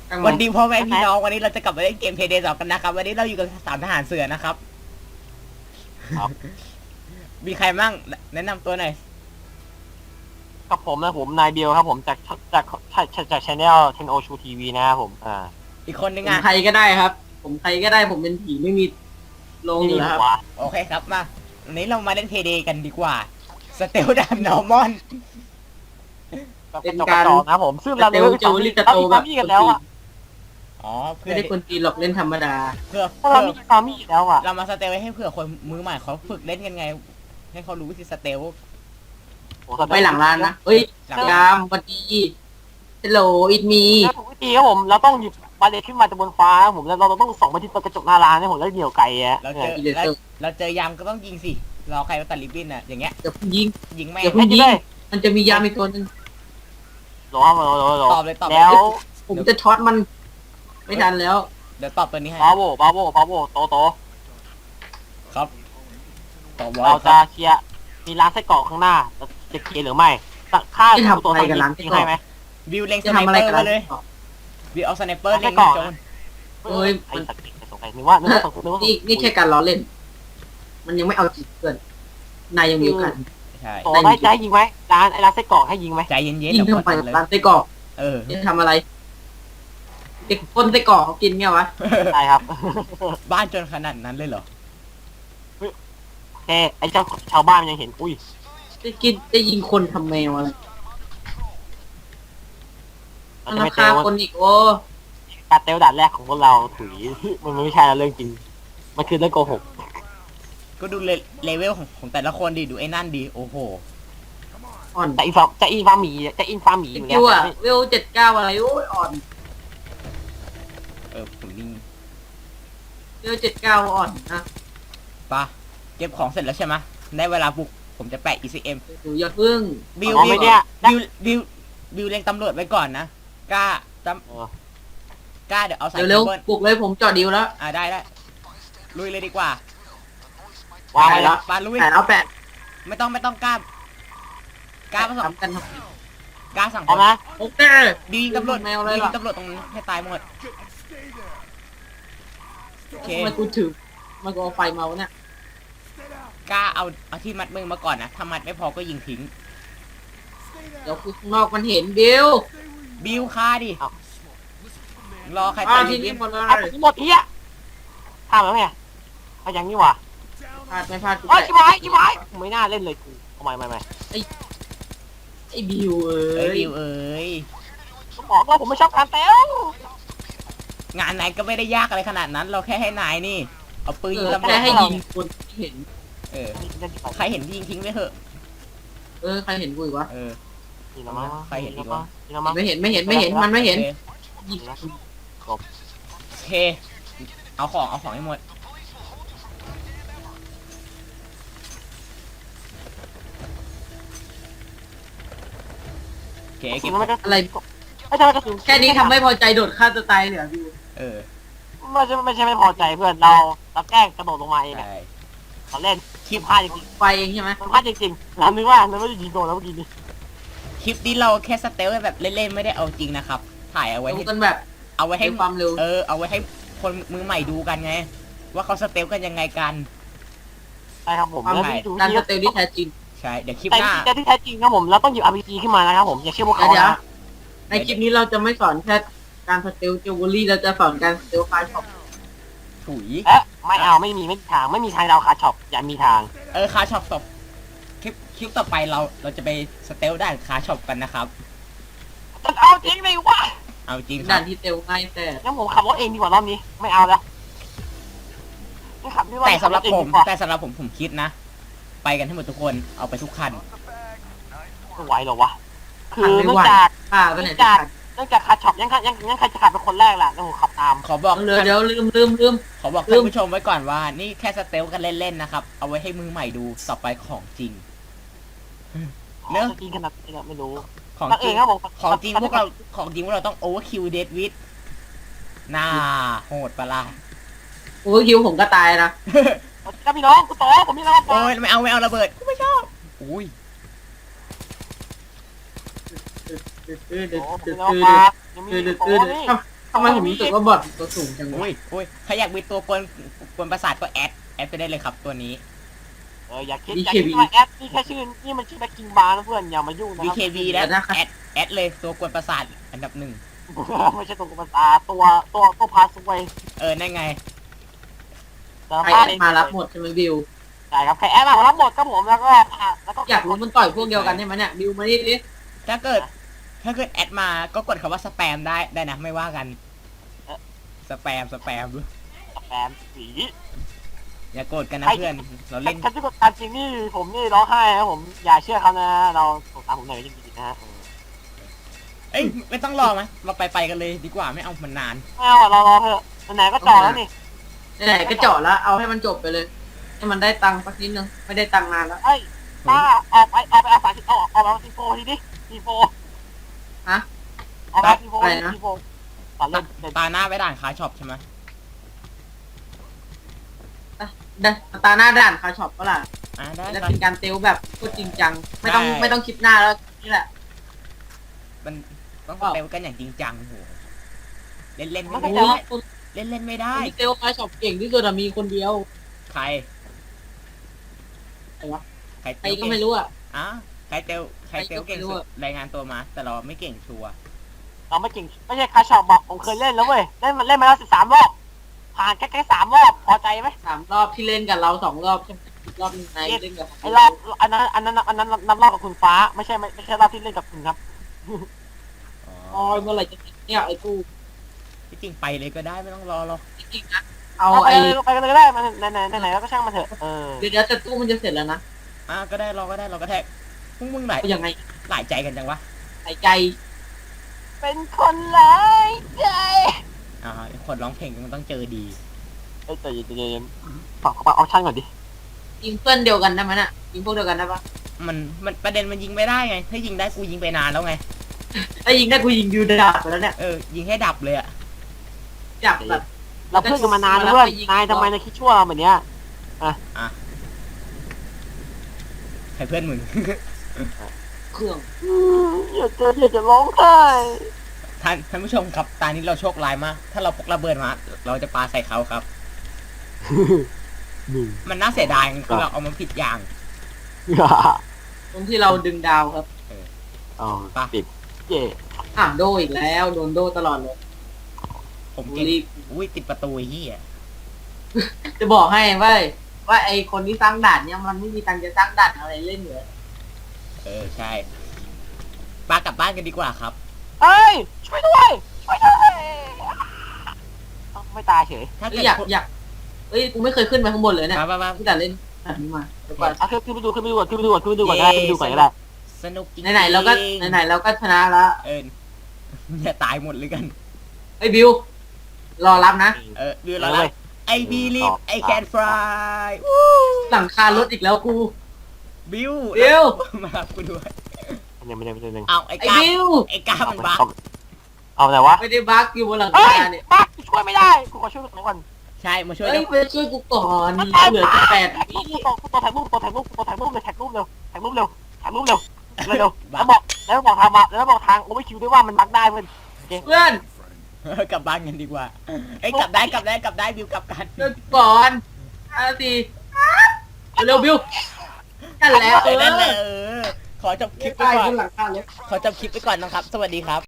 วันดีพ่อแม่พี่น้องวันนี้เราจะกลับมาเล่นเกมเพย์เดย์2กันนะครับวันนี้เราอยู่กับสามทหารเสือนะครับครับมีใครมั่งแนะนำตัวหน่อยกับผมนะผมนายเบลครับผมจากชาแนลเทนโอชูทีวีนะครับผมอีกคนนึงผมอ่ะใครก็ได้ครับ ผมใครก็ได้ผมเป็นผีไม่มีลงอยู่แล้วครับหัวโอเคครับมาวันนี้เรามาเล่นเพย์เดย์กันดีกว่าสเตลดันนอร์มอนเป็นการนะครับผมซึ่งเราเลเวลมีกันแล้วอ่ะอ๋อเพื่ไม่อได้คนจีนหรอกเล่นธรรมดาเพื่อถ้าเรามีฟาร์มี่แล้วอ่ะเรามาสเตลไว้ให้เผื่อคนมือใหม่เขาฝึกเล่นกันไง ให้เขารู้วิธีสเตลไปหลังร้านนะเฮ้ยหลังยามสวัสดีฮัลโหลอิดมีแล้วถูกวิธีครับผมเราต้องหยิบบาเลตขึ้นมาจากบนฟ้าผมแล้วเราต้องส่องไปที่กระจกหน้าร้านให้ผมแล้วเหนียวไก่อ่ะเราเจอยามก็ต้องยิงสิรอใครมาตัดริบบิ้นอ่ะอย่างเงี้ยอย่าเพิ่งยิงยิงแม่งอย่าเพิ่งยิงมันจะมียามอีกตัวหนึงหรอตอบเลยตอบเลยแล้วผมจะช็อตมัน ไม่ทันแล้วเดี๋ยวตอบตัวนี้ให้บาโวโตครับตอบว่าเราจะเคลียร์มีร้านไส้กรอกข้างหน้าจะเคลียร์หรือไม่ค่าตัวให้ไหมวิวเล็งสจะไนทำอะไรเปอร์กันมาเลยล่ะวิวเอาสไนเปอร์เล็งก่อนโจนเฮ้ยไอ้สัตว์สงสัยนึกว่านี่แค่การล้อเล่น มันยังไม่เอาจริงเพื่อนนายยังมีโอกาสใช่โตได้ใจยิงไหมร้านไส้กรอกให้ยิงไหมใจเย็นๆยิงเดี๋ยวเข้ากดไปเลยร้านไส้กรอกเออจะทำอะไรเด็กคนไส้กรอกเขากินเงี้ยวะใช่ครับบ้านจนขนาดนั้นเลยเหรอแค่ไอ้เจ้าชาวบ้านมันยังเห็นอุ้ยได้ยิงคนทำแมวอะไรมันจะราไม่เตคาลคนอีกโอ้การเตลด่านแรกของพวกเราถุยมันไม่ใช่เรื่องจริงมันคือเรื่องโกหกก็ดูเลเวลของแต่ละคนดิดูไอ้นั่นดิโอ้โหอ่อนจะอินฟาร์มีอยู่แล้คิววอะเวล79อะไรโอ้ยอ่อนผมยิงเวล79อ่อนนะปะเก็บของเสร็จแล้วใช่ไหมได้เวลาบุกผมจะแปะ ECM ดูอย่าพึ่งบิวอ๋อไม่เนี่ยบิวเล็งตำรวจไว้ก่อนนะกล้ากล้าเดี๋ยวเอาสายเร็วเคเบิลๆปลุกเลยผมจอดดิวแล้วได้ลุยเลยดีกว่าวางไว้แล้วปาลุยแปะแล้วแปะไม่ต้องกล้ผสมทำกันกล้าสั่งเอานะโอเคบิวยิงตำรวจแมวบิเลวย ยิล่ะงตำรวจตรงนั้นให้ตายหมดโอเคทำไมกูถือมันก็เอาไฟเมาเนี่ยกล้าเอาที่มัดมือมาก่อนนะถ้ามัดไม่พอก็ยิงทิ้งเดี๋ยวคือข้างนอกมันเห็นบิวบิวฆ่าดิรอใครอ้าตาวย ทีบินี้วหมดเลเอายหมดเอี้ยทำแล้วไงเอาอย่างนี้ว่ะพลาดไม่พลาดกูโอ้ยแปะอีไม้ไม่น่าเล่นเลยกูทำไมไอ้บิวเอ้ยยบิวเอ้ยบอกว่าผมไม่ชอบการเตลงานไหนก็ไม่ได้ยากอะไรขนาดนั้น เราแค่ให้นายนี่ เอาปืนยิงตำรวแค่จให้ยิงคนที่เห็นเออใครเห็นยิงทิ้งไปเถอะใครเห็นกูอีกวะเออนี่ละมั้งไม่เห็นมันไม่เห็น ยิงโอเคเอาของให้หมดโอเคเก็บอะไรไม่ใช่กระสุนแค่นี้ทำไม่พอใจโดดฆ่าตัวตายเลยเหรอบิวเออไม่ใช่ไม่พอใจเพื่อนเราแกล้งกระโดดลงมาเองใช่เราเล่นคลิปพลาดจริงไฟเองใช่ไหมมันพลาดจริงเรานึกว่าเราไม่ได้ยิงโดนแล้วเมื่อกี้นี้คลิปนี้เราแค่สเตลแบบเล่นๆไม่ได้เอาจริงนะครับ ถ่ายเอาไว้ดูให้กันแบบเอาไว้ให้ให้ความเร็วเอาไว้ให้คนมือใหม่ดูกันไง ว่าเขาสเตลกันยังไงกันใช่ครับผมความแล้วเร็วที่ดูการสเตลที่แท้จริงใช่เดี๋ยวคลิปแต่หน้าที่แท้จริงครับผมเราต้องหยิบ RPG ขึ้นมานะครับผมอย่าเชื่อพวกเขาเดี๋ยวนะในคลิปนี้เราจะไม่สอนแค่การสเตลจิวเวลรี่เราจะสอนการสเตลคาร์ช็อปถุยเอ๊ะไม่เอาไม่มีทางดาวคาช็อปอย่ามีทางคาช็อปตบคลิปต่อไปเราจะไปสเตลด้านคาช็อปกันนะครับจะเอาจริงเลยวะเอาจริงคด่ารับนที่เตลง่ายแต่งั้นผมขับรถเองดีกว่ารอบนี้ไม่เอาแล้วไม่ขับไม่ว่าแต่สำหรับขัผเอมงดีกว่าแต่สำหรับผมคิดนะ ไปกันให้หมดทุกคนเอาไปทุกคันไม่ไหวหรอวะคือขับไม่เนื่อไหวงจากป้าก็เนี่ยเนื่องจากคาช็อปยังใครจะขับเป็นคนแรกล่ะแล้วผมขับตามขอบอกเดี๋ยวลืมขอบอกท่านผู้ชมไว้ก่อนว่า นี่แค่สเตลกันเล่นๆนะครับ เอาไว้ให้มือใหม่ดูต่อไปของจริง เนอะจริงขนาดนี้ไม่รู้ของตั้งจเอริงงครับผมของจริงพวกเราต้องโอเวอร์คิวเดดวิดน่าโหดปะล่ะโอ้ยคิวผมก็ตายนะครับพี่น้องกูโตผมมีอะไรมาบโอ้อกยไม่เอาระเบิดกูไม่ชอบอุ้ยผมมีอะไรมาบอกยังมีโอ้นี่ทำไมผมรู้สึกว่าบอทตัวสูงจังวะอุ้ยใครอยากมีตัวกวนประสาทก็แอดไปได้เลยครับตัวนี้อย่าคิดว่าแอดนี่แค่ชื่อนี่มันชื่อแบ็คกิ้งบาร์นะเพื่อนอย่ามายุ่งนะครั BKB แล้วแอดเลยตัวกวนประสาทอันดับหนึ่งไม่ใช่ตัวกุมารตัวพาสวยนั่นไงใครแอดมารับหมดใช่ไหมบิวใช่ครับใครแอดมารับหมดครับผมแล้วก็อยากรู้มันต่อยพวกเดียวกันใช่ไหมเนี่ยบิวมาดิถ้าเกิดแอดมาก็กดคำว่าสแปมได้นะไม่ว่ากันสแปมแปมสีอย่าโกรธกันนะเพื่อนเราเล่นถ้าที่กดตามจริงนี่ผมนี่ร้องไห้นะผมอย่าเชื่อเขานะเราสงสารผมหน่อยจริงๆนะฮะเอ้ยไม่ต้องรอไหมเราไปกันเลยดีกว่าไม่เอามันนานไม่เอาเรารอเถอะไหนก็จ่อแล้วนี่ไหนๆก็เจาะแล้วเอาให้มันจบไปเลยให้มันได้ตังค์สักนิดนึงไม่ได้ตังค์นานแล้วเอ้ยป้าเอาไปเอา30เอามาทีโฟทีดิทีโฟฮะเอามาทีโฟทีโฟตัดเล่นตาหน้าไปด่านคาช็อปใช่ไหมตาหน้าด่านคาช็อปก็ล่ะได้จะครับเป็นการเตลแบบพูดจริงจังไม่ต้องคลิปหน้าแล้วนี่แหละมันต้องเตลกันอย่างจริงจังโหเล่นไม่โอ้ได้โหเล่นไม่ได้มีเตลคาช็อปเก่งที่สุดมีคนเดียวใครใครวะใครใครก็ไม่รู้อ่ะใครเตลเก่งสุดรายงานตัวมา แต่เราไม่เก่งชัวร์เราไม่จริงไม่ใช่คาช็อปบอกผมเคยเล่นแล้วเว้ยเล่นมาแล้ว13 รอบผ่านแค่3 รอบพอใจไหม 3 รอบที่เล่นกับเรา2 รอบใช่ไหมอีกรอบนึงนายเล่นกับไอ้รอบอันนั้นนับรอบกับคุณฟ้าไม่ใช่รอบที่เล่นกับคุณครับอ๋อเมื่อไหร่จะเนี่ยไอ้กูที่จริงไปเลยก็ได้ไม่ต้องรอหรอกจริงๆนะเอาไปไอ้เลยไปกันเลยก็ได้มันไหนแล้วก็ช่างมันเถอะเดี๋ยวแต่ตู้มันจะเสร็จแล้วนะก็ได้รอก็ได้เราก็แท็กพวกมึงไหนเอายังไงหลายใจกันจังวะหายใจเป็นคนร้ายใจคนร้องเพลงมันต้องเจอดีแต่เย็นฝากเอาช่างก่อนดิยิงเพื่อนเดียวกันได้ไหมน่ะยิงพวกเดียวกันได้ปะมันประเด็นมันยิงไม่ได้ไง ถ้ายิงได้กูยิงไปนานแล้วไงถ้ายิงได้กูยิงยูดาบไปแล้วเนี่ยยิงให้ดับเลยอะจับแบบเราเพื่อนกันมานานเพื่อนนายทำไมนายคิดชั่วแบบเนี้ยใครเพื่อนมึงเครื่องอยากจะร้องไห้ท่านผู้ชมครับตอนนี้เราโชคร้ายมาก ถ้าเราพกระเบิดมา เราจะปาใส่เขาครับ มันน่าเสียดายคือเราเอามันผิดอย่างตรงที่เราดึงดาวครับติดเย่โดอีกแล้วโดนโดตลอดเลยผมเก่งรีบอุ้ยติดประตูเฮียจะบอกให้ว่าไอคนที่สร้างด่านเนี่ยมันไม่มีตังค์จะสร้างด่านอะไรเล่นเหรอใช่ปากลับบ้านกันดีกว่าครับเอ้ยช่วยด้วยไม่ตายเฉยถ้าเกิดอยากเอ้ยกูไม่เคยขึ้นไปข้างบนเลยเนี่ยมาที่แต่เล่นแบบนี้มาเดี๋ยวก่อนขึ้นไปดูก่อนก็ได้สนุกจริงไหนๆเราก็ชนะแล้วอย่าตายหมดเลยกันไอ้บิวรอรับนะดูแล้ว I believe I can fly หลังคารถอีกแล้วกูบิว มารับกูด้วยไม่ได้เอาไอ้ไอ้กาบิวไอ้กามันบักเอาไหนวะไม่ได้บักอยู่บนหลังเฮ้ยคาเนี่ยบักช่วยไม่ได้กูขอช่วยก่อนใช่มาช่วยเฮ้ยไปช่วยกูก่อนเหลือแ8 วิตัวถ่ายรูปเลยถ่ายรูปเร็วแล้วบอกทางโอเวอร์คิวด้วยว่ามันบักได้เพื่อนเพื่อนกลับบ้านกันดีกว่าไอ้กลับได้บิวกลับกันช่วยกูก่อน5 ทีเร็วบิวนั่นแหละนั่นแหละขอจบคลิปไปตายก่อบ นนหลังคาเลยขอจบคลิปไปก่อนนะครับ สวัสดีครับ